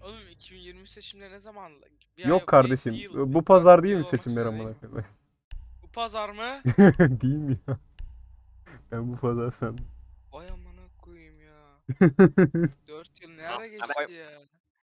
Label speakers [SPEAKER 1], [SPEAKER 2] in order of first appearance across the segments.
[SPEAKER 1] Oğlum 2020 seçimleri ne zaman? Bir
[SPEAKER 2] Yok
[SPEAKER 1] ay,
[SPEAKER 2] kardeşim.
[SPEAKER 1] yıl,
[SPEAKER 2] Bu pazar değil
[SPEAKER 1] bir
[SPEAKER 2] mi
[SPEAKER 1] yıl olmak
[SPEAKER 2] seçimler
[SPEAKER 1] üzere değil
[SPEAKER 2] amına
[SPEAKER 1] mi?
[SPEAKER 2] koyayım?
[SPEAKER 1] Bu pazar mı?
[SPEAKER 2] Değil mi ya? Ben bu pazar sandım.
[SPEAKER 1] Vay amına koyayım ya. 4 yıl ne ara
[SPEAKER 3] Ama
[SPEAKER 1] geçti ya?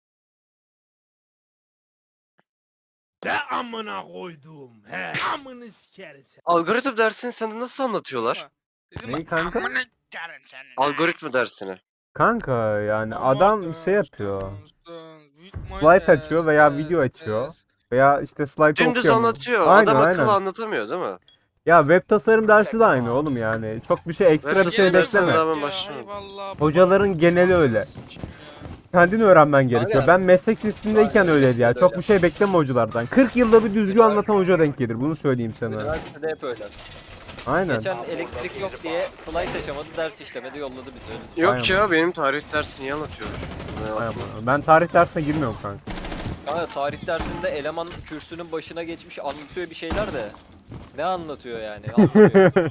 [SPEAKER 4] De amına koydum. He. Amını sikerim sen.
[SPEAKER 3] algoritma dersini sana nasıl anlatıyorlar?
[SPEAKER 1] Ama dedim
[SPEAKER 2] Neyi kanka?
[SPEAKER 1] amına s**erim senin ha.
[SPEAKER 3] Algoritma dersini.
[SPEAKER 2] Kanka yani
[SPEAKER 1] Ama
[SPEAKER 2] adam şey yapıyor.
[SPEAKER 1] with my
[SPEAKER 2] Slide açıyor veya video
[SPEAKER 1] test,
[SPEAKER 2] açıyor. Veya işte slide
[SPEAKER 3] Dümdüz
[SPEAKER 2] okuyor mu?
[SPEAKER 3] anlatıyor.
[SPEAKER 2] Aynen
[SPEAKER 3] Adam akıllı
[SPEAKER 2] aynen.
[SPEAKER 3] anlatamıyor değil mi?
[SPEAKER 2] Ya web tasarım dersi de aynı oğlum yani. Çok bir şey ekstra
[SPEAKER 3] Web
[SPEAKER 2] bir şey
[SPEAKER 3] tasarım dersine
[SPEAKER 2] bekleme.
[SPEAKER 3] daha ben
[SPEAKER 1] ya.
[SPEAKER 3] başlamadım.
[SPEAKER 1] Eyvallah.
[SPEAKER 2] Hocaların geneli öyle.
[SPEAKER 1] Sikeyim ya.
[SPEAKER 2] Kendin öğrenmen gerekiyor.
[SPEAKER 3] Aynen.
[SPEAKER 2] Ben meslek lisesindeyken
[SPEAKER 3] Aynen,
[SPEAKER 2] öyleydi ya.
[SPEAKER 3] bizde de
[SPEAKER 2] Çok
[SPEAKER 3] öyle.
[SPEAKER 2] bir şey bekleme hocalardan. 40 yılda bir düzgün anlatan hoca denk gelir. Bunu söyleyeyim sana.
[SPEAKER 5] Üniversitede hep öyle.
[SPEAKER 2] Aynen.
[SPEAKER 5] Geçen elektrik yok diye slide açamadı, ders işlemedi, yolladı bizi. Öyle düşün.
[SPEAKER 3] Yok
[SPEAKER 2] Aynen.
[SPEAKER 3] ya benim tarih dersini iyi anlatıyormuş.
[SPEAKER 2] Aynen. Ben tarih dersine girmiyorum kanka.
[SPEAKER 5] Kanka tarih dersinde eleman kürsünün başına geçmiş anlatıyor bir şeyler de. Ne anlatıyor yani? Anlamıyorum.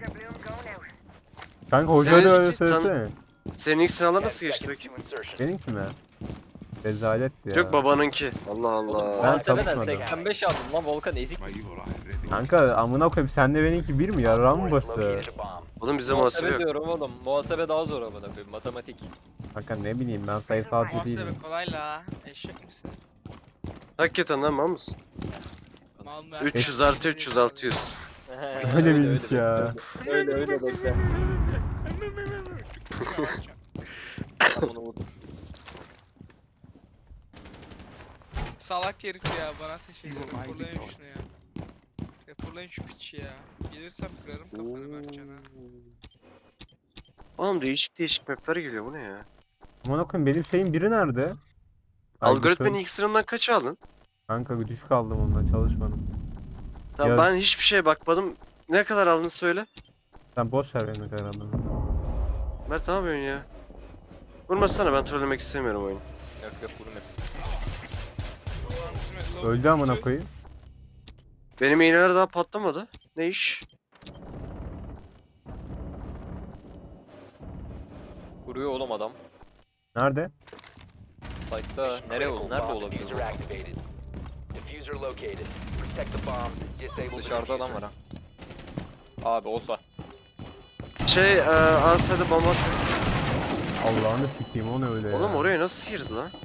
[SPEAKER 2] Kanka hocaya da öyle
[SPEAKER 3] Senin-
[SPEAKER 2] söylesene.
[SPEAKER 3] Senin ilk sınavlar nasıl geçti peki?
[SPEAKER 2] Benimki mi? Rezaletti ya.
[SPEAKER 3] Yok babanınki. Allah
[SPEAKER 5] Oğlum
[SPEAKER 3] Allah.
[SPEAKER 5] muhasebeden
[SPEAKER 2] çalışmadım.
[SPEAKER 5] 85 aldım lan, Volkan ezik misin?
[SPEAKER 2] Kanka amına koyayım senle benimki bir mi ya? Ram bası.
[SPEAKER 3] Oğlum bize muhasebe yok.
[SPEAKER 5] diyorum oğlum. Muhasebe daha zor amına koyayım. Matematik.
[SPEAKER 2] Kanka ne bileyim ben sayısalcı değilim.
[SPEAKER 1] Muhasebe kolay la. Eşek misiniz?
[SPEAKER 3] Hakikaten lan mal mısın?
[SPEAKER 1] Mal mı?
[SPEAKER 3] 300 artı 300 600.
[SPEAKER 2] Öyle miymiş ya?
[SPEAKER 5] Öyle bekle. Ben bunu vurdum.
[SPEAKER 1] Salak herif ya bana teşekkür ederim. Raporlayın şunu ya. Raporlayın şu piçi ya. Gelirsem kırarım kafanı Mertcan'a.
[SPEAKER 3] Oğlum değişik değişik mapler geliyor bu ne ya?
[SPEAKER 2] Amına koyayım benim şeyin biri nerede?
[SPEAKER 3] Algoritmanın
[SPEAKER 2] Aygıt'ın.
[SPEAKER 3] ilk sınavından kaç aldın?
[SPEAKER 2] Kanka düşük aldım onunla çalışmadım.
[SPEAKER 3] Tamam
[SPEAKER 2] Ya-
[SPEAKER 3] ben hiçbir şeye bakmadım. Ne kadar aldın söyle.
[SPEAKER 2] Sen boş ver beni herhalde.
[SPEAKER 3] Mert ne yapıyorsun ya? Vurmasana ben trollemek istemiyorum oyunu.
[SPEAKER 5] Yok yok vurma.
[SPEAKER 2] Öldü amına koyayım.
[SPEAKER 3] Benim iğneler daha patlamadı. Ne iş?
[SPEAKER 5] Vuruyor oğlum adam.
[SPEAKER 2] Nerede?
[SPEAKER 5] Site'da nereye oldu? Nerede olabilir? Dışarıda adam var ha. Abi olsa.
[SPEAKER 3] Ansa'da bomba atıyor.
[SPEAKER 2] Allah'ını sikeyim o ne öyle ya.
[SPEAKER 3] Oğlum oraya nasıl girdi lan?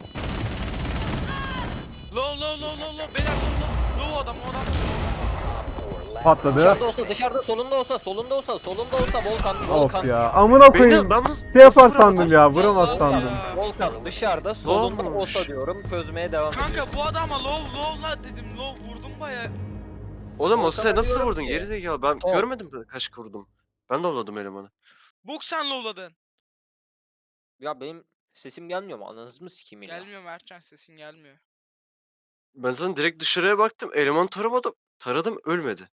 [SPEAKER 1] Low beyler low adam o adam.
[SPEAKER 2] Patladı.
[SPEAKER 5] Dışarıda olsa, dışarıda, solunda olsa Volkan,
[SPEAKER 2] Of ya. Amına koyayım.
[SPEAKER 3] Ben
[SPEAKER 2] Şey yapar
[SPEAKER 3] nasıl vuramadım?
[SPEAKER 2] sandım ya. Vuramaz
[SPEAKER 1] Allah
[SPEAKER 2] sandım.
[SPEAKER 1] Allah.
[SPEAKER 5] Volkan dışarıda, solunda
[SPEAKER 3] Olmamış.
[SPEAKER 5] olsa diyorum, çözmeye devam ediyorsun.
[SPEAKER 1] Kanka bu adama low la dedim low vurdum baya.
[SPEAKER 3] Oğlum o
[SPEAKER 5] Volkan'a
[SPEAKER 3] sen nasıl
[SPEAKER 5] diyorum
[SPEAKER 3] vurdun?
[SPEAKER 5] ki-
[SPEAKER 3] Gerizekalı ben
[SPEAKER 5] Ol.
[SPEAKER 3] görmedim mi kaç vurdum? Ben de avladım elemanı.
[SPEAKER 1] Bok sen lowladın.
[SPEAKER 5] Ya benim sesim gelmiyor mu? Ananızı mı sikeyim ya?
[SPEAKER 1] Gelmiyor Mertcan sesin gelmiyor.
[SPEAKER 3] Ben zaten direkt dışarıya baktım. Elemanı taramadım. Taradım ölmedi.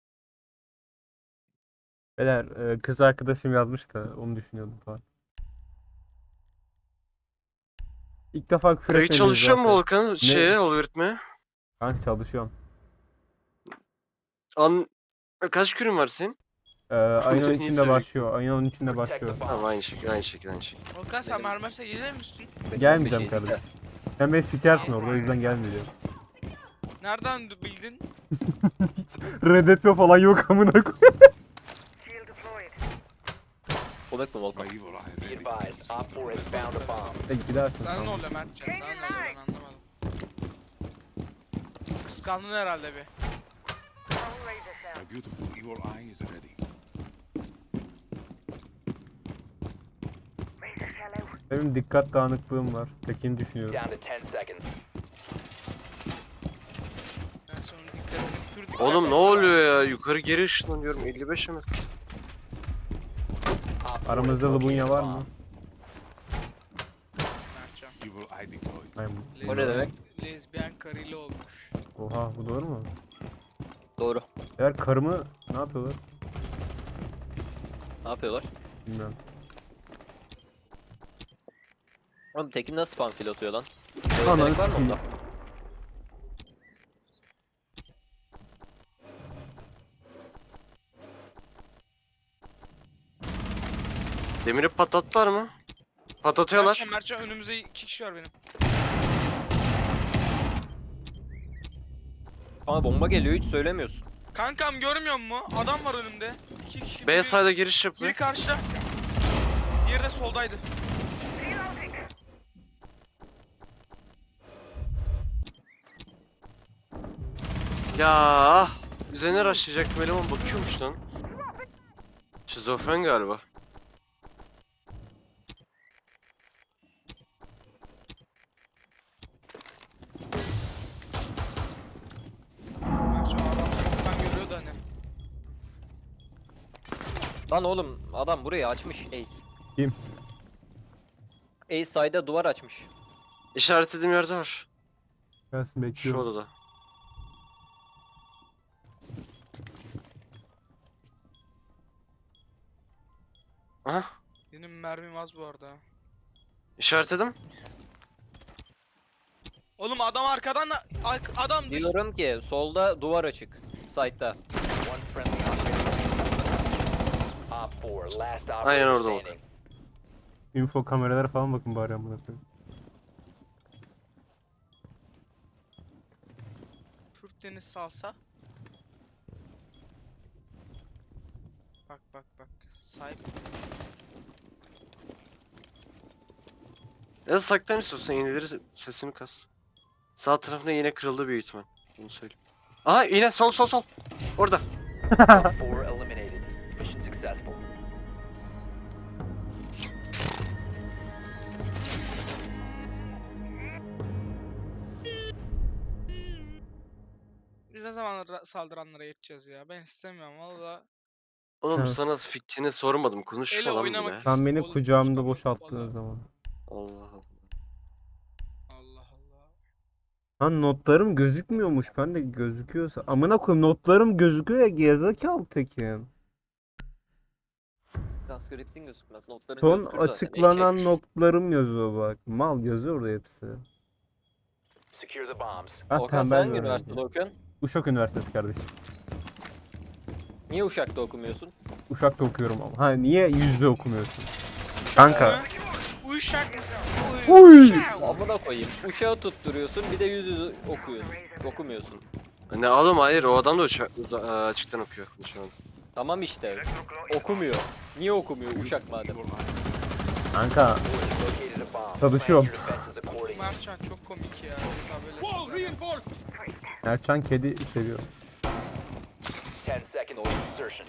[SPEAKER 2] Beyler kız arkadaşım yazmış da onu düşünüyordum falan. İlk defa küfür
[SPEAKER 3] Kayıt
[SPEAKER 2] etmediniz
[SPEAKER 3] çalışıyor mu
[SPEAKER 2] zaten.
[SPEAKER 3] Volkan? Algoritmaya.
[SPEAKER 2] Kanka çalışıyorum.
[SPEAKER 3] Kaç kürün var senin?
[SPEAKER 2] Ayın
[SPEAKER 3] Niye
[SPEAKER 2] 13'ünde
[SPEAKER 3] söylüyorsun?
[SPEAKER 2] başlıyor. Ayın 13'ünde başlıyor.
[SPEAKER 3] Tamam aynı şekil.
[SPEAKER 1] Volkan sen Marmaris'e gelir misin?
[SPEAKER 2] Gelmeyeceğim
[SPEAKER 5] Bir şey
[SPEAKER 2] kardeşim. Sen beni sikersin orada o yüzden gelmeyeceğim.
[SPEAKER 1] Nereden bildin?
[SPEAKER 2] Reddetme falan yok amına koyayım.
[SPEAKER 5] Komik mi Volkan?
[SPEAKER 2] Gidersin.
[SPEAKER 1] Sana ne
[SPEAKER 2] tamam.
[SPEAKER 1] oluyor Mertcan? Sana ne oluyor ben anlamadım. Kıskandın herhalde bir.
[SPEAKER 4] My beautiful evil eye is ready.
[SPEAKER 2] Benim dikkat dağınıklığım var. Tekini düşünüyorum.
[SPEAKER 1] Ben sonra dikkatini pür
[SPEAKER 3] Oğlum ne oluyor ya? Yukarı geri ışınlanıyorum. 55 mi?
[SPEAKER 2] Aramızda Lubunya var mı?
[SPEAKER 1] Mertcan.
[SPEAKER 4] Evil eye deployed.
[SPEAKER 2] Aynen.
[SPEAKER 5] O ne demek?
[SPEAKER 1] Lezbiyen karıyla olmuş.
[SPEAKER 2] Oha bu doğru mu?
[SPEAKER 5] Doğru.
[SPEAKER 2] Eğer karımı ne yapıyorlar?
[SPEAKER 5] Ne yapıyorlar?
[SPEAKER 2] Bilmiyorum.
[SPEAKER 5] Oğlum Tekin nasıl spam kill atıyor lan?
[SPEAKER 2] Ananı
[SPEAKER 5] Yetenek var mı
[SPEAKER 2] sikeyim.
[SPEAKER 5] onda?
[SPEAKER 3] Demiri patlattılar mı? Patlatıyorlar.
[SPEAKER 1] Mertcan önümüzde 2 kişi var benim.
[SPEAKER 5] Ama bomba geliyor hiç söylemiyorsun.
[SPEAKER 1] Kankam görmüyor musun? Adam var önümde. 2 kişi.
[SPEAKER 3] B side'a giriş
[SPEAKER 1] Biri
[SPEAKER 3] yapıyor.
[SPEAKER 1] karşıda. Diğeri de soldaydı.
[SPEAKER 3] Ya üzerine rushlayacaktım eleman bakıyormuş lan. Şizofren galiba.
[SPEAKER 1] Ben şu adam sokaktan görüyordu hani.
[SPEAKER 5] Lan oğlum adam burayı açmış Ace.
[SPEAKER 2] Kim?
[SPEAKER 5] Ace side'a duvar açmış.
[SPEAKER 3] İşaretlediğim yerde var.
[SPEAKER 2] Gelsin
[SPEAKER 3] Şu
[SPEAKER 2] bekliyorum.
[SPEAKER 3] odada. Aha.
[SPEAKER 1] Benim mermim az bu arada.
[SPEAKER 3] İşaretledim.
[SPEAKER 1] Oğlum adam arkadan da adam dış.
[SPEAKER 5] Diyorum ki solda duvar açık. Side'da.
[SPEAKER 6] One friendly operator. Op 4, last
[SPEAKER 3] Aynen
[SPEAKER 6] operator
[SPEAKER 3] orada bak.
[SPEAKER 6] standing.
[SPEAKER 2] Info kameralara falan bakın bari amına koyayım.
[SPEAKER 1] Türk deniz salsa. Bak bak bak. Sahip.
[SPEAKER 3] Ya da saklan istiyorsan iğneleri sesini kas. Sağ tarafında iğne kırıldı büyük ihtimal. Bunu söyleyeyim. Aha iğne sol sol sol. Orada.
[SPEAKER 6] Op 4 eliminated. Mission successful.
[SPEAKER 1] Biz ne zaman saldıranlara yeteceğiz ya? Ben istemiyorum valla.
[SPEAKER 3] Oğlum
[SPEAKER 2] Evet.
[SPEAKER 3] sana fikrini sormadım. Konuşma
[SPEAKER 1] Ele
[SPEAKER 3] lan
[SPEAKER 1] oynamak
[SPEAKER 3] bile.
[SPEAKER 2] Sen beni
[SPEAKER 1] Oğlum,
[SPEAKER 2] kucağımda
[SPEAKER 1] çıkamam,
[SPEAKER 2] boşalttığın
[SPEAKER 1] vallahi.
[SPEAKER 2] zaman.
[SPEAKER 3] Allah Allah.
[SPEAKER 1] Allah Allah.
[SPEAKER 2] Lan notlarım gözükmüyormuş. Ben de gözüküyorsa. Amına koyayım notlarım gözüküyor ya gerizekalı tekim.
[SPEAKER 5] Transkriptin gözükmez. Notların
[SPEAKER 2] Son
[SPEAKER 5] gözükür zaten,
[SPEAKER 2] açıklanan
[SPEAKER 5] eşek.
[SPEAKER 2] notlarım yazıyor bak. Mal yazıyor orada hepsi.
[SPEAKER 6] Secure the bombs.
[SPEAKER 2] Ah
[SPEAKER 5] Okan sen
[SPEAKER 2] tembel
[SPEAKER 5] hangi
[SPEAKER 2] bir
[SPEAKER 5] üniversitede
[SPEAKER 2] öğrenci.
[SPEAKER 5] okuyorsun?
[SPEAKER 2] Uşak Üniversitesi kardeşim.
[SPEAKER 5] Niye Uşak'ta okumuyorsun?
[SPEAKER 2] Uşak'ta okuyorum ama. Ha niye yüzde okumuyorsun? Kanka.
[SPEAKER 1] Uyuşak.
[SPEAKER 2] Uy!
[SPEAKER 5] Amına koyayım. Uşağı tutturuyorsun bir de yüz yüze okuyorsun. Okumuyorsun.
[SPEAKER 3] Ne oğlum hayır o adam da açıktan okuyor şu an.
[SPEAKER 5] Tamam işte. Okumuyor. Niye okumuyor Uşak madem?
[SPEAKER 2] Kanka.
[SPEAKER 6] Located a bomb.
[SPEAKER 2] Çalışıyorum.
[SPEAKER 6] Plan your defenses accordingly.
[SPEAKER 1] Mertcan çok komik ya. Daha böyle şeyler.
[SPEAKER 2] Erçan kedi seviyor.
[SPEAKER 6] 10 seconds till insertion.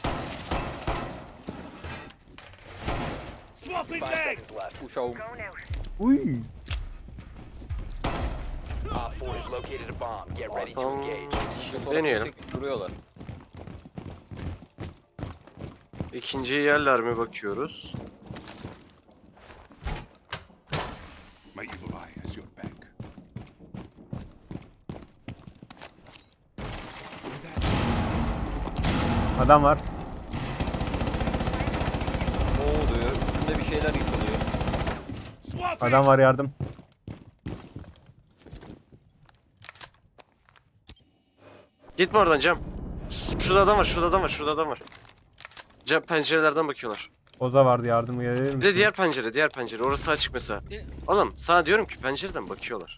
[SPEAKER 6] 5 seconds left.
[SPEAKER 5] Uşağım.
[SPEAKER 2] Uy!
[SPEAKER 6] Op 4 has located a bomb. Get ready to
[SPEAKER 3] Tamam.
[SPEAKER 6] engage.
[SPEAKER 3] Deneyelim.
[SPEAKER 5] Duruyorlar.
[SPEAKER 3] İkinciyi yerler mi bakıyoruz.
[SPEAKER 4] My evil eye has your back.
[SPEAKER 2] Adam var.
[SPEAKER 5] Ne oluyor? Üstünde bir şeyler yıkılıyor.
[SPEAKER 2] Adam var yardım.
[SPEAKER 3] Gitme oradan Cem. Şurada adam var, şurada adam var, şurada adam var. Cem pencerelerden bakıyorlar.
[SPEAKER 2] Oza vardı yardım gelir misin?
[SPEAKER 3] Bir de diğer pencere, diğer pencere. Orası açık mesela. Oğlum sana diyorum ki pencereden bakıyorlar.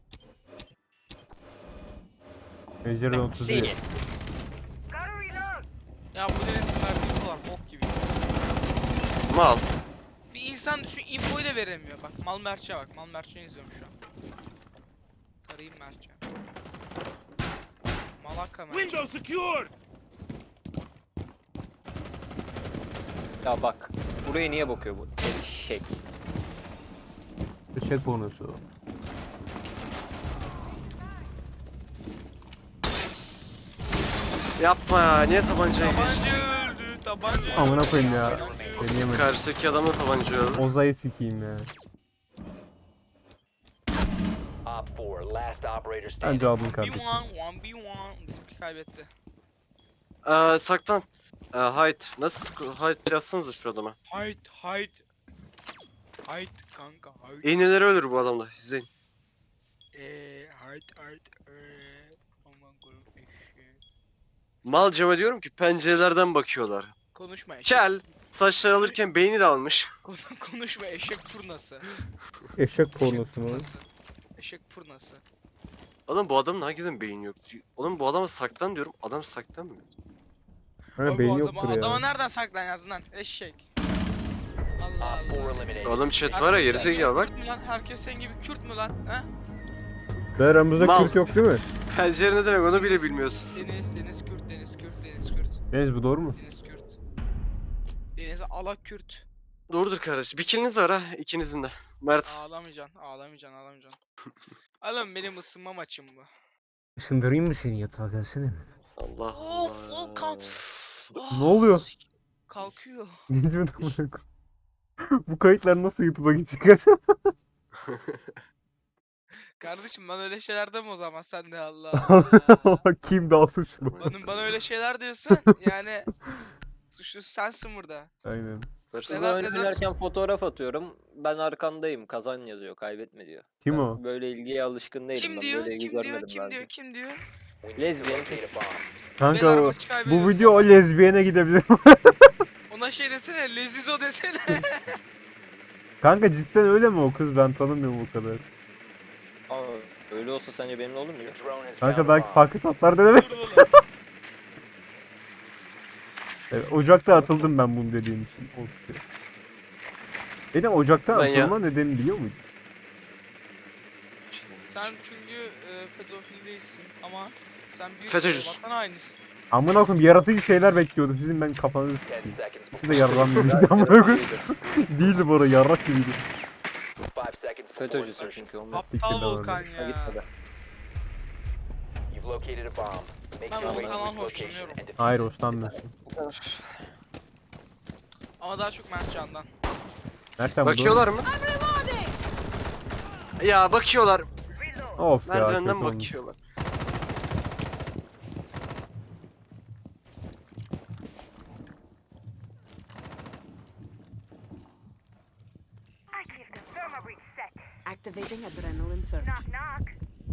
[SPEAKER 2] Pencereden 31.
[SPEAKER 5] Seni.
[SPEAKER 1] Ya bu denizin verdiği falan bok gibi.
[SPEAKER 3] Mal.
[SPEAKER 1] Bir insan düşün infoyu da veremiyor. Bak mal Mertçe bak. Mal Mertçe izliyorum şu an. Tarayayım Mertçe. Malaka Mertçe.
[SPEAKER 4] secured!
[SPEAKER 5] Ya bak. Buraya niye bakıyor bu? Eşek.
[SPEAKER 2] Eşek bonusu.
[SPEAKER 3] Yapma ya, niye tabancayı geçti?
[SPEAKER 1] Tabanca öldü. Tabanca
[SPEAKER 2] Amına koyayım ya. Deneyemedim.
[SPEAKER 3] Karşıdaki adam da tabancayı aldı.
[SPEAKER 2] Oza'yı sikeyim ya.
[SPEAKER 6] Op 4, last operator
[SPEAKER 2] Ben
[SPEAKER 6] standing.
[SPEAKER 2] cevabım
[SPEAKER 1] 1v1,
[SPEAKER 2] kardeşim.
[SPEAKER 1] 1v1. Bizimki kaybetti.
[SPEAKER 3] Saklan. Hide. Nasıl hide yazsanıza şu adama.
[SPEAKER 1] Hayt hayt. Hayt kanka hayt.
[SPEAKER 3] İğneleri ölür bu adamda. İzleyin.
[SPEAKER 1] Hayt hayt. Aman koyayım eşeği.
[SPEAKER 3] Mal Cem'e diyorum ki pencerelerden bakıyorlar.
[SPEAKER 1] Konuşma eşek.
[SPEAKER 3] Kel. Saçlar alırken beyni de almış.
[SPEAKER 1] Konuşma eşek furnası.
[SPEAKER 2] Eşek
[SPEAKER 1] Eşek
[SPEAKER 2] pornosu mu?
[SPEAKER 1] furnası. Eşek furnası.
[SPEAKER 3] Oğlum bu adamın hakikaten beyin yok. Oğlum bu adama saklan diyorum. Adam saklanmıyor.
[SPEAKER 2] Öyle
[SPEAKER 1] Oğlum,
[SPEAKER 2] beyin
[SPEAKER 1] bu
[SPEAKER 2] yoktur
[SPEAKER 1] adama
[SPEAKER 2] ya.
[SPEAKER 1] nereden saklan yazdın lan? Eşek. Allah
[SPEAKER 6] Op 4
[SPEAKER 1] Allah.
[SPEAKER 6] eliminated.
[SPEAKER 3] Oğlum chat
[SPEAKER 6] Mission
[SPEAKER 3] var ya,
[SPEAKER 1] Herkes senin
[SPEAKER 3] gerizekalı
[SPEAKER 1] gibi
[SPEAKER 3] bak.
[SPEAKER 1] Kürt mü lan? Herkes senin gibi Kürt mü lan? He?
[SPEAKER 2] Ve aramızda
[SPEAKER 3] Mal.
[SPEAKER 2] Kürt yok değil mi?
[SPEAKER 3] Pencere ne demek onu bile bilmiyorsun.
[SPEAKER 1] Deniz Kürt, Deniz Kürt, Deniz Kürt,
[SPEAKER 2] Deniz bu doğru mu?
[SPEAKER 1] Deniz Kürt. Deniz Alak Kürt.
[SPEAKER 3] Doğrudur kardeş. Bir kiliniz var ha ikinizin de. Mert.
[SPEAKER 1] Ağlamayacaksın, ağlamayacaksın, ağlamayacaksın. Oğlum benim ısınma maçım bu.
[SPEAKER 2] Işındırayım mı seni yatağa gelsene.
[SPEAKER 3] Allah
[SPEAKER 1] Of,
[SPEAKER 3] Allah.
[SPEAKER 1] Volkan.
[SPEAKER 2] Ne oluyor?
[SPEAKER 1] Kalkıyor.
[SPEAKER 2] Ne diyorsun amına koyayım? Bu kayıtlar nasıl YouTube'a gidecek acaba?
[SPEAKER 1] Kardeşim ben öyle şeyler deme o zaman sen de Allah Allah.
[SPEAKER 2] Kim daha suçlu?
[SPEAKER 1] Bana öyle şeyler diyorsun yani suçlusu sensin burada.
[SPEAKER 2] Aynen.
[SPEAKER 3] Versene.
[SPEAKER 5] Burada
[SPEAKER 1] Neden-
[SPEAKER 5] oynarken fotoğraf atıyorum. Ben arkandayım. Kazan yazıyor. Kaybetme diyor.
[SPEAKER 2] Kim
[SPEAKER 5] Ben
[SPEAKER 2] o?
[SPEAKER 5] böyle ilgiye alışkın değilim.
[SPEAKER 1] Kim
[SPEAKER 5] ben
[SPEAKER 1] diyor?
[SPEAKER 5] böyle ilgi
[SPEAKER 1] Kim diyor?
[SPEAKER 5] görmedim
[SPEAKER 1] Kim
[SPEAKER 5] ben
[SPEAKER 1] diyor?
[SPEAKER 5] de.
[SPEAKER 1] Kim diyor?
[SPEAKER 6] We need to
[SPEAKER 5] Lezbiyen
[SPEAKER 6] locate a bomb.
[SPEAKER 2] Kanka
[SPEAKER 1] Beyler
[SPEAKER 2] o,
[SPEAKER 1] maçı
[SPEAKER 2] bu
[SPEAKER 1] kaybediyoruz
[SPEAKER 2] video o
[SPEAKER 1] ama.
[SPEAKER 2] lezbiyene gidebilir.
[SPEAKER 1] Ona şey desene, Lezizo desene.
[SPEAKER 2] Kanka cidden öyle mi o kız? Ben tanımıyorum o kadar.
[SPEAKER 5] Ama öyle olsa sence benimle olur mu ya?
[SPEAKER 6] Drone has
[SPEAKER 2] Kanka
[SPEAKER 6] found a
[SPEAKER 2] belki
[SPEAKER 6] bomb.
[SPEAKER 2] farklı tatlar denemek.
[SPEAKER 1] Dur oğlum.
[SPEAKER 2] Evet, Ocak'ta atıldım ben bunu dediğim için. Of. Benim Ocak'ta
[SPEAKER 3] Ben ya-
[SPEAKER 2] atılma nedeni biliyor muydun?
[SPEAKER 1] Sen çünkü pedofil değilsin ama sen bir
[SPEAKER 3] FETÖ'cüsün.
[SPEAKER 1] vatan hainisin.
[SPEAKER 2] Amına koyayım yaratıcı şeyler bekliyordum. Sizin ben kafanızı
[SPEAKER 6] 10
[SPEAKER 2] sikeyim.
[SPEAKER 6] seconds
[SPEAKER 2] İkisi de
[SPEAKER 6] before
[SPEAKER 2] yarrağımlıydı amına koyayım.
[SPEAKER 5] Yaratıcıydı.
[SPEAKER 2] Değildi bu arada yarrak gibiydi.
[SPEAKER 6] 5 seconds before
[SPEAKER 5] FETÖ'cüsün
[SPEAKER 6] insertion.
[SPEAKER 5] çünkü ondan.
[SPEAKER 1] Aptal
[SPEAKER 2] Siktir lan
[SPEAKER 1] Volkan
[SPEAKER 5] Hoşuna
[SPEAKER 1] ya.
[SPEAKER 5] gitmedi.
[SPEAKER 6] You've located a bomb. Make
[SPEAKER 1] Ben
[SPEAKER 6] your way to
[SPEAKER 1] Volkan'dan
[SPEAKER 6] its location
[SPEAKER 1] hoşlanıyorum.
[SPEAKER 6] and defuse
[SPEAKER 2] Hayır
[SPEAKER 6] it.
[SPEAKER 2] hoşlanmıyorsun.
[SPEAKER 1] Ama daha çok Mertcan'dan.
[SPEAKER 2] Nereden bu doğru?
[SPEAKER 3] Bakıyorlar mı? Ya bakıyorlar.
[SPEAKER 2] Of ya kötü
[SPEAKER 3] Merdivenden
[SPEAKER 2] olmuş.
[SPEAKER 3] bakıyorlar.
[SPEAKER 7] Activating adrenaline surge. Knock, knock.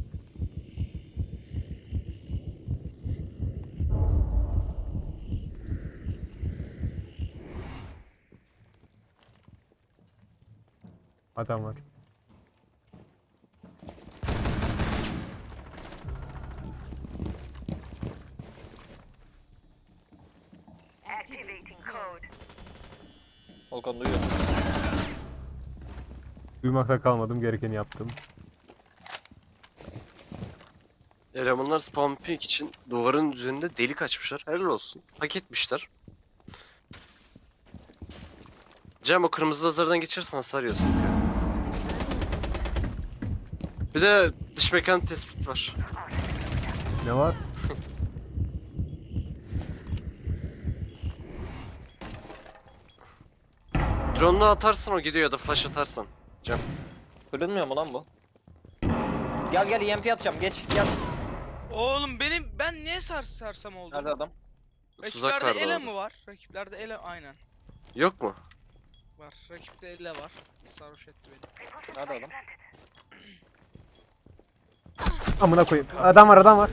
[SPEAKER 2] Adam var.
[SPEAKER 7] Activating code.
[SPEAKER 5] Volkan duyuyorsun.
[SPEAKER 2] Duymakta kalmadım, gerekeni yaptım.
[SPEAKER 3] Elemanlar spawn peak için duvarın üzerinde delik açmışlar. Helal olsun. Hak etmişler. Cem o kırmızı lazerden geçersen hasar yiyorsun. Bir de dış mekan tespit var.
[SPEAKER 2] Ne var?
[SPEAKER 3] Drone'unu atarsan o gidiyor ya da flash atarsan.
[SPEAKER 5] Kırılmıyor mu lan bu? Gel gel EMP atacağım geç gel.
[SPEAKER 1] Oğlum ben niye sarsam oldum?
[SPEAKER 5] Nerede adam?
[SPEAKER 3] Tuzak
[SPEAKER 1] Rakiplerde
[SPEAKER 3] vardı
[SPEAKER 1] ele
[SPEAKER 3] orada.
[SPEAKER 1] mi var? Rakiplerde ele aynen
[SPEAKER 3] Yok mu?
[SPEAKER 1] var. Rakipte ele var. Sarhoş etti beni.
[SPEAKER 5] Nerede adam?
[SPEAKER 2] Amına koyayım. Adam var, adam var.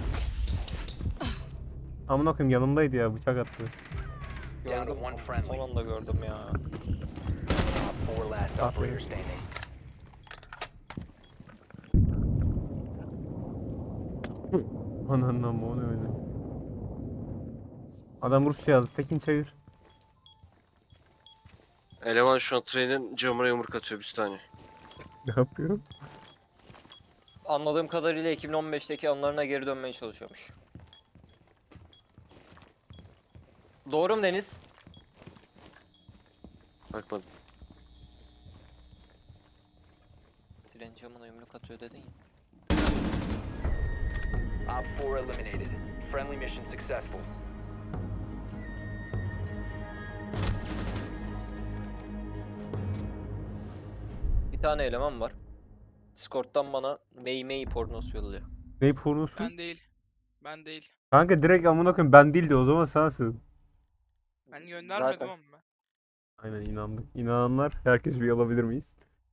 [SPEAKER 2] Amına koyayım yanımdaydı ya, bıçak attı.
[SPEAKER 6] Down to
[SPEAKER 5] Gördüm.
[SPEAKER 6] one friendly.
[SPEAKER 5] Son anda gördüm ya.
[SPEAKER 6] Op 4 last
[SPEAKER 2] Aferin.
[SPEAKER 6] operator standing.
[SPEAKER 2] Ananın ama o ne öyle. Adam Rusça yazdı. Tekin çevir.
[SPEAKER 3] Eleman şu an trenin camına yumruk atıyor bir tane.
[SPEAKER 2] Ne yapıyorum?
[SPEAKER 5] Anladığım kadarıyla 2015'teki anlarına geri dönmeye çalışıyormuş. Doğru mu Deniz?
[SPEAKER 3] Bakmadım.
[SPEAKER 5] Tren camına yumruk atıyor dedin ya.
[SPEAKER 6] Op 4 eliminated. Friendly mission successful.
[SPEAKER 5] Bir tane eleman var. Discord'dan bana Mey pornosu yolluyor.
[SPEAKER 2] Ne pornosu?
[SPEAKER 1] Ben değil. Ben değil.
[SPEAKER 2] Kanka direkt amına koyayım ben değildi, o zaman sensin.
[SPEAKER 1] Ben göndermedim
[SPEAKER 5] Zaten.
[SPEAKER 1] ama ben.
[SPEAKER 2] Aynen inandık. İnananlar herkes bir alabilir miyiz?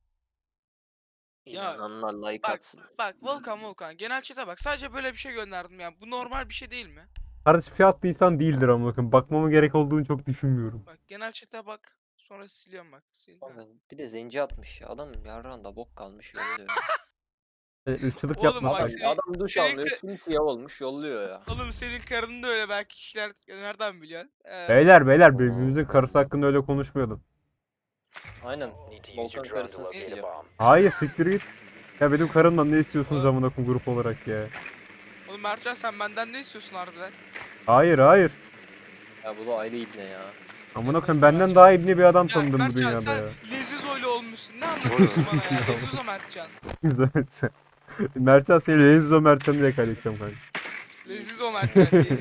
[SPEAKER 1] Ya,
[SPEAKER 5] İnananlar like
[SPEAKER 1] Bak
[SPEAKER 5] atsın.
[SPEAKER 1] bak Volkan genel chat'e bak. Sadece böyle bir şey gönderdim ya. Bu normal bir şey değil mi?
[SPEAKER 2] Kardeşim şey attıysan değildir amına koyayım. Bakmama gerek olduğunu çok düşünmüyorum.
[SPEAKER 1] Bak genel chat'e bak. Sonra siliyorum bak. Sildim.
[SPEAKER 5] Kanka, bir de zenci atmış ya. Adam yarrağında bok kalmış yolluyor.
[SPEAKER 2] Irkçılık
[SPEAKER 1] Oğlum
[SPEAKER 2] yapma.
[SPEAKER 1] bak
[SPEAKER 5] Adam,
[SPEAKER 1] senin-
[SPEAKER 5] adam duş
[SPEAKER 1] senin
[SPEAKER 5] almıyor,
[SPEAKER 1] kı-
[SPEAKER 5] simsiyah olmuş yolluyor ya.
[SPEAKER 1] Oğlum senin karın da öyle belki kişiler nereden biliyorsun?
[SPEAKER 2] Beyler birbirimizin karısı hakkında öyle konuşmuyordum.
[SPEAKER 5] Aynen.
[SPEAKER 6] Need to use
[SPEAKER 5] Volkan
[SPEAKER 6] your drone
[SPEAKER 5] karısını
[SPEAKER 6] to locate a
[SPEAKER 5] sikiyor.
[SPEAKER 6] bomb.
[SPEAKER 2] Hayır siktir git. Ya benim karımdan ne istiyorsunuz
[SPEAKER 1] Oğlum.
[SPEAKER 2] amına koyayım grup olarak ya.
[SPEAKER 1] Oğlum Mertcan sen benden ne istiyorsun harbiden?
[SPEAKER 2] Hayır.
[SPEAKER 5] Ya bu da ayrı ibne ya.
[SPEAKER 2] Amına koyayım benden daha ibni bir adam
[SPEAKER 1] Ya
[SPEAKER 2] tanıdım bu
[SPEAKER 1] Mertcan
[SPEAKER 2] dünyada
[SPEAKER 1] sen
[SPEAKER 2] ya.
[SPEAKER 1] Lezizo'yla olmuşsun. Ne anlatıyorsun bana ya? Lezizo Mertcan.
[SPEAKER 2] Mertcan seni Lezizo Mertcan diye kaydedeceğim kanka.
[SPEAKER 1] Lezizo Mertcan.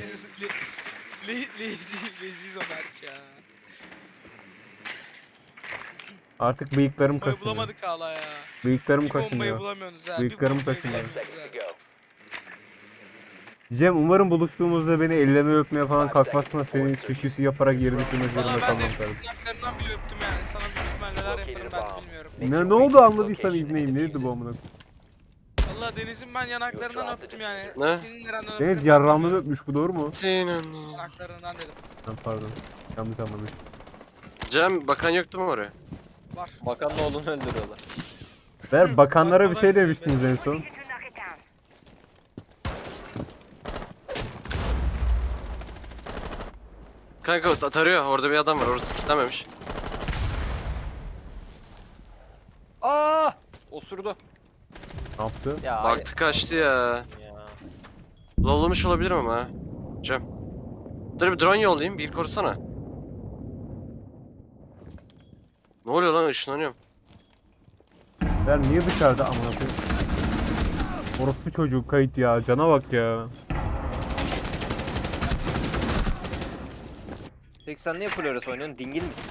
[SPEAKER 1] Lezizo Mertcan.
[SPEAKER 2] Artık bıyıklarım
[SPEAKER 1] Bombayı
[SPEAKER 2] kaşınıyor.
[SPEAKER 1] bulamadık hala ya.
[SPEAKER 2] Bıyıklarım
[SPEAKER 1] Bir bombayı
[SPEAKER 2] kaşınıyor.
[SPEAKER 1] bulamıyorsunuz ha.
[SPEAKER 2] Bıyıklarım
[SPEAKER 1] Bir bombayı
[SPEAKER 2] kaşınıyor.
[SPEAKER 6] 10
[SPEAKER 1] bulamıyorsunuz
[SPEAKER 6] seconds
[SPEAKER 1] ha.
[SPEAKER 6] to go.
[SPEAKER 2] Cem umarım buluştuğumuzda beni elleme öpmeye falan
[SPEAKER 6] 5
[SPEAKER 2] kalkmazsın da
[SPEAKER 6] seconds
[SPEAKER 2] senin
[SPEAKER 6] before
[SPEAKER 2] şüküsü yaparak geri düşürmek
[SPEAKER 1] Valla
[SPEAKER 2] zorunda
[SPEAKER 1] ben de
[SPEAKER 2] kalmam kardeşim.
[SPEAKER 1] yanaklarından bile öptüm yani. Sana büyük ihtimal neler yaparım ben de bilmiyorum.
[SPEAKER 2] Ne oldu anladıysam ibneyim neydi bu amına koyayım?
[SPEAKER 1] Valla Deniz'in ben yanaklarından öptüm yani.
[SPEAKER 3] Ne?
[SPEAKER 1] Senin nereden öptüm?
[SPEAKER 2] Deniz yarrağımı öpmüş bu doğru mu?
[SPEAKER 3] Senin.
[SPEAKER 1] Yanaklarından dedim.
[SPEAKER 2] Ha, pardon. Yanlış anlamış.
[SPEAKER 3] Cem bakan yoktu mu oraya?
[SPEAKER 1] Var.
[SPEAKER 5] Bakanın oğlunu öldürüyorlar.
[SPEAKER 2] Ver bakanlara bir şey
[SPEAKER 1] Bakmadan
[SPEAKER 2] demiştiniz en son.
[SPEAKER 7] You to knock it down.
[SPEAKER 3] Kanka tarıyor. Orada bir adam var. Orası kilitlenmemiş.
[SPEAKER 5] Aa! Osurdu.
[SPEAKER 2] Ne yaptı?
[SPEAKER 5] Ya
[SPEAKER 3] Baktı kaçtı ya.
[SPEAKER 5] ya.
[SPEAKER 3] Lollamış olabilirim ama ha. Cem. Dur bir drone yollayayım. Bir korusana. Ne oluyor lan ışınlanıyorum.
[SPEAKER 2] Ver niye dışarıda amına koyayım? Orospu çocuğu kayıt ya. Cana bak ya.
[SPEAKER 5] Peki sen niye Flores oynuyorsun? Dingil misin?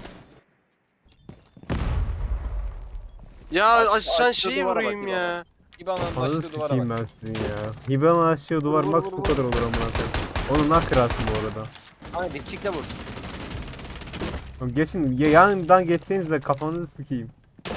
[SPEAKER 3] Ya aşağı
[SPEAKER 5] açtı
[SPEAKER 3] şeyi
[SPEAKER 5] duvara bak
[SPEAKER 3] vurayım
[SPEAKER 5] bir
[SPEAKER 3] ya.
[SPEAKER 5] İbana'nın
[SPEAKER 2] Ananı
[SPEAKER 5] açtığı duvara
[SPEAKER 2] sikeyim
[SPEAKER 5] bak.
[SPEAKER 2] ben sizin ya. Hibana aşağı duvar
[SPEAKER 5] Vur,
[SPEAKER 2] max
[SPEAKER 5] vur,
[SPEAKER 2] bu
[SPEAKER 5] vur.
[SPEAKER 2] kadar olur amına koyayım. Onu nak kırarsın bu arada.
[SPEAKER 5] Hani dipçikle vur.
[SPEAKER 2] Oğlum geçin yanından geçseniz de kafanızı sikeyim.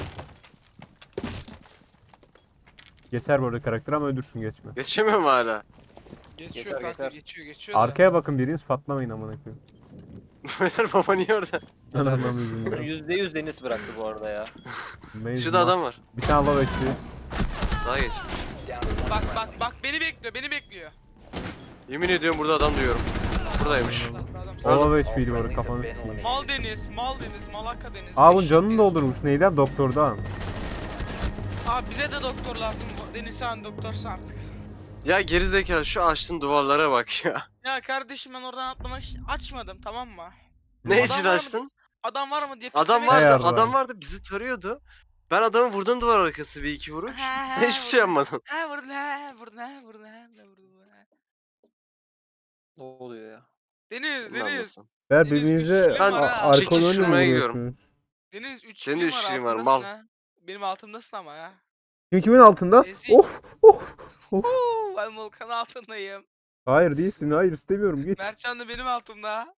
[SPEAKER 2] Geçer bu arada karakter ama öldürsün geçme.
[SPEAKER 3] Geçemiyorum hala.
[SPEAKER 1] Geçiyor
[SPEAKER 5] Geçer,
[SPEAKER 1] kanka
[SPEAKER 5] geçer.
[SPEAKER 1] geçiyor da.
[SPEAKER 2] Arkaya bakın biriniz patlamayın amına koyayım.
[SPEAKER 3] Beyler baba niye orada?
[SPEAKER 2] Anam yüzünden.
[SPEAKER 5] %100 Deniz bıraktı bu arada ya.
[SPEAKER 2] Mecnun.
[SPEAKER 3] Şurada adam var.
[SPEAKER 2] Bir tane lava bekliyor.
[SPEAKER 3] Sağa geç.
[SPEAKER 1] Bak beni bekliyor.
[SPEAKER 3] Yemin ediyorum burada adam duyuyorum. Buradaymış.
[SPEAKER 1] Adam
[SPEAKER 2] Lava HP var kafanı sikeyim.
[SPEAKER 1] Mal Deniz, Malaka Deniz.
[SPEAKER 2] Aa bunun
[SPEAKER 1] eşek
[SPEAKER 2] canını
[SPEAKER 1] Deniz.
[SPEAKER 2] doldurmuş. Neyden? Doktordan.
[SPEAKER 1] Abi bize de doktor lazım. Deniz sen doktorsun artık.
[SPEAKER 3] Ya gerizekalı şu açtığın duvarlara bak ya.
[SPEAKER 1] Ya kardeşim ben oradan atlamak için açmadım tamam mı?
[SPEAKER 3] Ne
[SPEAKER 1] Adam
[SPEAKER 3] için
[SPEAKER 1] var mı?
[SPEAKER 3] açtın?
[SPEAKER 1] Adam var mı diye
[SPEAKER 3] Adam
[SPEAKER 1] piklemeye-
[SPEAKER 3] vardı,
[SPEAKER 2] Ayarlar.
[SPEAKER 3] adam vardı bizi tarıyordu. Ben adamı vurdum duvar arkası bir iki vuruş. Sen hiçbir şey yapmadın.
[SPEAKER 1] Ha vurdun ha vurdun ha vurdun ha vurdun ha.
[SPEAKER 5] Ne oluyor ya?
[SPEAKER 1] Deniz,
[SPEAKER 3] Ne anlasın?
[SPEAKER 2] Ver
[SPEAKER 1] Deniz,
[SPEAKER 2] birbirinize
[SPEAKER 1] üç kilim var ha.
[SPEAKER 3] Çekil
[SPEAKER 2] arkalarını
[SPEAKER 3] şuraya gidiyorum.
[SPEAKER 2] vuruyorsunuz.
[SPEAKER 1] Deniz 3
[SPEAKER 3] Senin de
[SPEAKER 1] kilim
[SPEAKER 3] üç
[SPEAKER 1] var
[SPEAKER 3] kilim var,
[SPEAKER 1] altındasın
[SPEAKER 3] mal.
[SPEAKER 1] ha. Benim altımdasın ama ya.
[SPEAKER 2] Kimin altında?
[SPEAKER 1] Ezik.
[SPEAKER 2] Of.
[SPEAKER 1] Ben Volkan'ın altındayım.
[SPEAKER 2] Hayır değilsin. Hayır istemiyorum. Git.
[SPEAKER 1] Mertcan da benim altımda.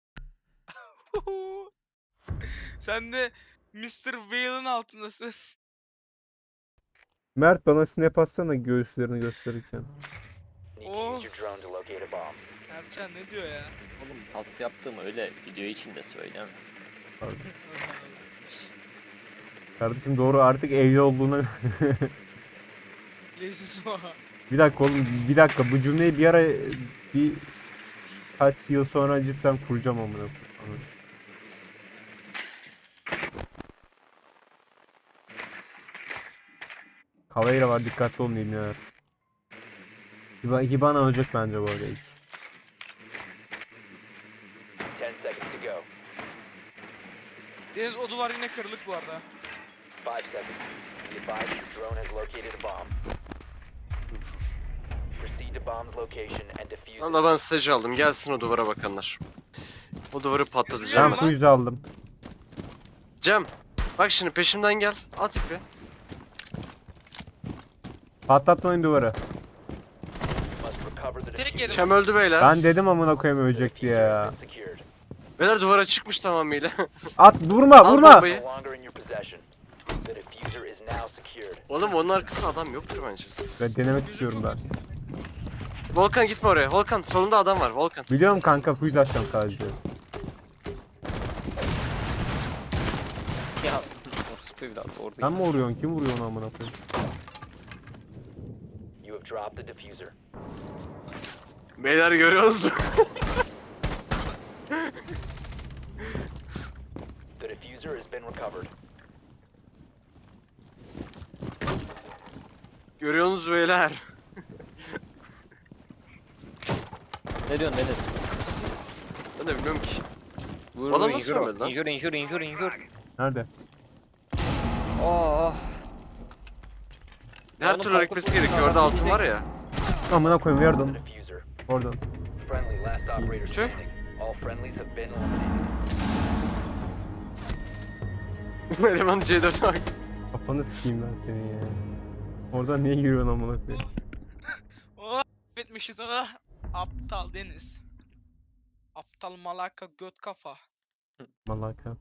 [SPEAKER 1] Sen de Mr. Whale'ın altındasın.
[SPEAKER 2] Mert bana snap atsana göğüslerini gösterirken.
[SPEAKER 6] Need to use your drone to locate a bomb.
[SPEAKER 1] Mertcan ne diyor ya?
[SPEAKER 5] Oğlum pas yaptığımı öyle video içinde söyleme.
[SPEAKER 2] Kardeşim doğru artık evli olduğuna...
[SPEAKER 1] Leziz o.
[SPEAKER 2] Bir dakika oğlum bir dakika bu cümleyi bir ara bir kaç yıl sonra cidden kuracağım amına koyayım. Kavayra var dikkatli olun ya. Hibana ölecek bence bu arada ilk.
[SPEAKER 6] 10 seconds to go.
[SPEAKER 1] Deniz o duvar yine kırılık bu arada.
[SPEAKER 6] 5 seconds. Be advised your drone has located a bomb. Proceed to bomb's location and defuse it.
[SPEAKER 3] Valla ben stage aldım. Gelsin o duvara bakanlar. O duvarı
[SPEAKER 2] Ben
[SPEAKER 3] patlatacağım ben.
[SPEAKER 2] kuyucu aldım.
[SPEAKER 3] Cem. Bak şimdi peşimden gel. At ipi.
[SPEAKER 2] Patlatmayın duvarı.
[SPEAKER 6] Must recover the
[SPEAKER 1] Tek yedim.
[SPEAKER 3] Cem öldü beyler.
[SPEAKER 2] Ben dedim amına koyayım ölecek diye ya.
[SPEAKER 6] secured.
[SPEAKER 3] Beyler duvara çıkmış tamamıyla.
[SPEAKER 2] At vurma
[SPEAKER 3] Al
[SPEAKER 2] vurma.
[SPEAKER 3] bombayı.
[SPEAKER 6] No longer in your possession. The diffuser is now secured.
[SPEAKER 3] Oğlum onun arkasında adam yoktur bence.
[SPEAKER 2] Ben denemek
[SPEAKER 1] Yüzüm
[SPEAKER 2] istiyorum
[SPEAKER 1] çok
[SPEAKER 2] ben.
[SPEAKER 1] kötü.
[SPEAKER 3] Volkan gitme oraya. Volkan solunda adam var. Volkan.
[SPEAKER 2] Biliyorum kanka kuyucu açacağım sadece.
[SPEAKER 5] Ya orospu evladı orada.
[SPEAKER 2] Sen mi vuruyorsun? Kim vuruyor onu amına koyayım?
[SPEAKER 6] have dropped the diffuser.
[SPEAKER 3] Beyler görüyor musun?
[SPEAKER 6] The diffuser has been recovered.
[SPEAKER 3] Görüyor musunuz beyler?
[SPEAKER 5] Ne diyorsun Deniz?
[SPEAKER 3] Ben de bilmiyorum ki.
[SPEAKER 5] Vur
[SPEAKER 3] Bana
[SPEAKER 5] vur
[SPEAKER 3] nasıl
[SPEAKER 5] injure o.
[SPEAKER 3] ölmedi lan?
[SPEAKER 5] Injure.
[SPEAKER 2] Nerede?
[SPEAKER 5] Oh.
[SPEAKER 3] Her
[SPEAKER 5] Oğlum
[SPEAKER 3] türlü hareketmesi
[SPEAKER 5] korkutma,
[SPEAKER 3] gerekiyor. Orada
[SPEAKER 5] adam
[SPEAKER 3] altın var ya.
[SPEAKER 2] Amına koyayım
[SPEAKER 6] The
[SPEAKER 2] yardım.
[SPEAKER 6] diffuser.
[SPEAKER 2] Oradan.
[SPEAKER 6] Friendly last operator
[SPEAKER 3] Tüh.
[SPEAKER 6] standing. All friendlies have been eliminated.
[SPEAKER 3] Eleman C4'e bak.
[SPEAKER 2] Kafanı sikeyim ben seni ya. Oradan niye giriyorsun amına koyayım?
[SPEAKER 1] Oh bitmişiz oh. Aptal Deniz. Aptal malaka göt kafa.
[SPEAKER 2] Malaka.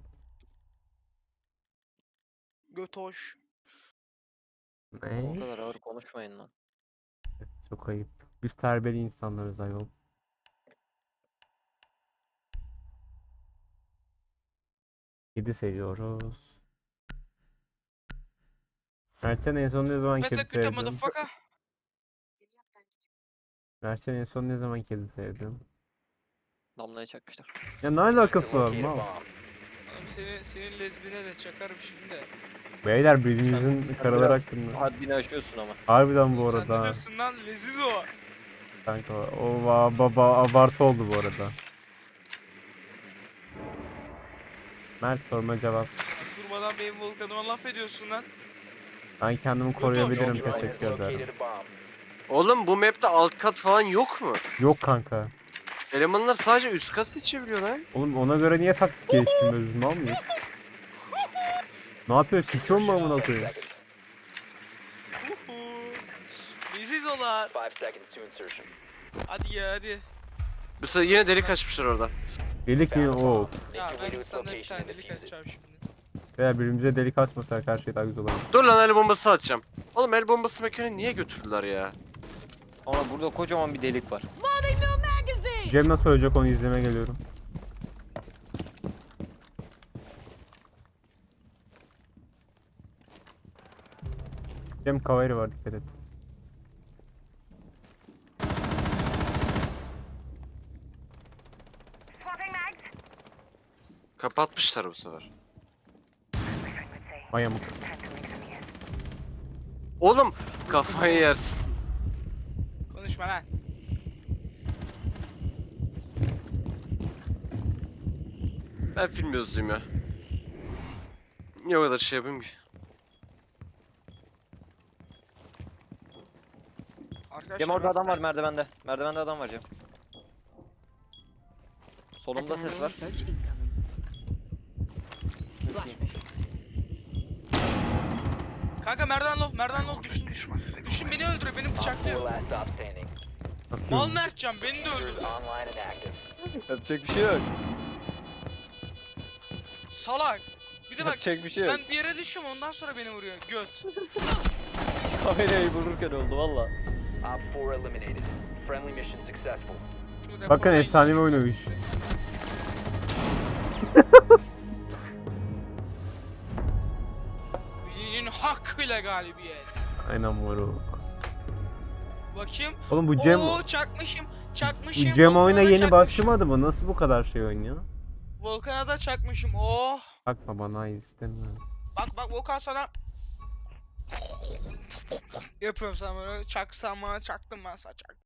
[SPEAKER 1] Göt hoş.
[SPEAKER 5] O
[SPEAKER 2] Ne?
[SPEAKER 5] kadar ağır konuşmayın lan.
[SPEAKER 2] Çok ayıp. Biz terbiyeli insanlarız ayol. Kedi seviyoruz. Mertcan en son ne zaman kedi
[SPEAKER 1] Better kötü
[SPEAKER 2] sevdin?
[SPEAKER 1] motherfucker.
[SPEAKER 2] Mertcan en son ne zaman kedi sevdin?
[SPEAKER 5] Damlaya çakmışlar.
[SPEAKER 2] Ya ne alakası var
[SPEAKER 6] Locate a
[SPEAKER 2] mal?
[SPEAKER 6] bomb.
[SPEAKER 1] Oğlum senin lezbine de çakarım şimdi.
[SPEAKER 2] Beyler
[SPEAKER 5] Sen
[SPEAKER 2] birbirimizin karalar
[SPEAKER 5] biraz
[SPEAKER 2] hakkında.
[SPEAKER 5] haddini aşıyorsun ama.
[SPEAKER 2] Harbiden bu
[SPEAKER 1] Sen ne
[SPEAKER 2] arada.
[SPEAKER 1] diyorsun lan leziz o.
[SPEAKER 2] Kanka o baba abartı oldu bu arada. Mert sorma cevap.
[SPEAKER 1] Durmadan benim volkanıma laf ediyorsun lan.
[SPEAKER 2] Ben kendimi
[SPEAKER 1] Yok,
[SPEAKER 2] koruyabilirim,
[SPEAKER 6] Your drone has
[SPEAKER 2] teşekkür ederim.
[SPEAKER 6] located a bomb.
[SPEAKER 3] Oğlum bu map'te alt kat falan yok mu?
[SPEAKER 2] Yok kanka.
[SPEAKER 3] Elemanlar sadece üst kat seçebiliyor lan.
[SPEAKER 2] Oğlum ona göre niye taktik geliştirmiyoruz mal mıyız? Ne yapıyorsun? Sikiyor mu amına koyayım?
[SPEAKER 1] Uhu. Leziz olar.
[SPEAKER 6] 5 seconds to insertion.
[SPEAKER 1] Hadi ya hadi.
[SPEAKER 3] Bu sefer yine delik açmışlar orada.
[SPEAKER 2] Delik mi? Of.
[SPEAKER 6] Make
[SPEAKER 1] Ya
[SPEAKER 6] your way
[SPEAKER 1] ben
[SPEAKER 6] to its
[SPEAKER 1] sana bir
[SPEAKER 6] location
[SPEAKER 1] tane
[SPEAKER 6] and
[SPEAKER 1] delik
[SPEAKER 6] defuse it.
[SPEAKER 1] açacağım şimdi.
[SPEAKER 2] Veya birbirimize delik açmasak her şey daha güzel olur.
[SPEAKER 3] Dur lan el bombası atacağım. Oğlum el bombası mekanı niye götürdüler ya?
[SPEAKER 5] Ama burada kocaman bir delik var.
[SPEAKER 2] Cem nasıl ölecek onu izlemeye geliyorum. Cem kaveri var, dikkat et.
[SPEAKER 7] Swapping mags.
[SPEAKER 3] Kapatmışlar bu sefer.
[SPEAKER 2] Mayamuk.
[SPEAKER 3] Oğlum kafayı yersin.
[SPEAKER 1] Konuşma lan.
[SPEAKER 3] Ben film yazayım ya. Niye o kadar şey yapayım ki?
[SPEAKER 1] Arkadaşlar
[SPEAKER 5] Cem orada
[SPEAKER 1] ben
[SPEAKER 5] adam var
[SPEAKER 1] sana-
[SPEAKER 5] merdivende. Merdivende adam var Cem. Solumda ses var.
[SPEAKER 1] Kanka merdan low düşün. Düşün beni öldürüyor beni
[SPEAKER 6] Op 4
[SPEAKER 1] bıçaklıyor.
[SPEAKER 6] last stop standing.
[SPEAKER 1] Mal
[SPEAKER 2] Atıyorum.
[SPEAKER 1] Mertcan beni de
[SPEAKER 6] Diffuser is
[SPEAKER 1] öldürdü.
[SPEAKER 6] online and active.
[SPEAKER 5] Yapacak bir şey yok.
[SPEAKER 1] Salak. Bir de bak
[SPEAKER 5] Yapacak bir şey yok.
[SPEAKER 1] ben bir yere düşüyorum ondan sonra beni vuruyor. Göt.
[SPEAKER 5] Kamerayı vururken oldu valla.
[SPEAKER 6] Op 4 eliminated. Friendly mission successful.
[SPEAKER 1] Şu
[SPEAKER 2] Bakın
[SPEAKER 1] rapordan
[SPEAKER 2] efsanevi
[SPEAKER 1] yiyeyim.
[SPEAKER 2] oynamış.
[SPEAKER 1] Birinin hakkıyla galibiyet.
[SPEAKER 2] Aynen moruk.
[SPEAKER 1] Bakayım.
[SPEAKER 2] Oğlum bu Cem,
[SPEAKER 1] Oo çakmışım.
[SPEAKER 2] bu
[SPEAKER 1] Çakmışım.
[SPEAKER 2] Cem
[SPEAKER 1] Volkan'a
[SPEAKER 2] oyuna
[SPEAKER 1] da
[SPEAKER 2] yeni
[SPEAKER 1] çakmışım.
[SPEAKER 2] başlamadı mı? Nasıl bu kadar şey oynuyor?
[SPEAKER 1] Volkan'a da çakmışım. Oh.
[SPEAKER 2] Bakma bana, hayır istemiyorum.
[SPEAKER 1] Bak Volkan sana yapıyorum sana böyle çaksam bana çaktım ben sana çaktım.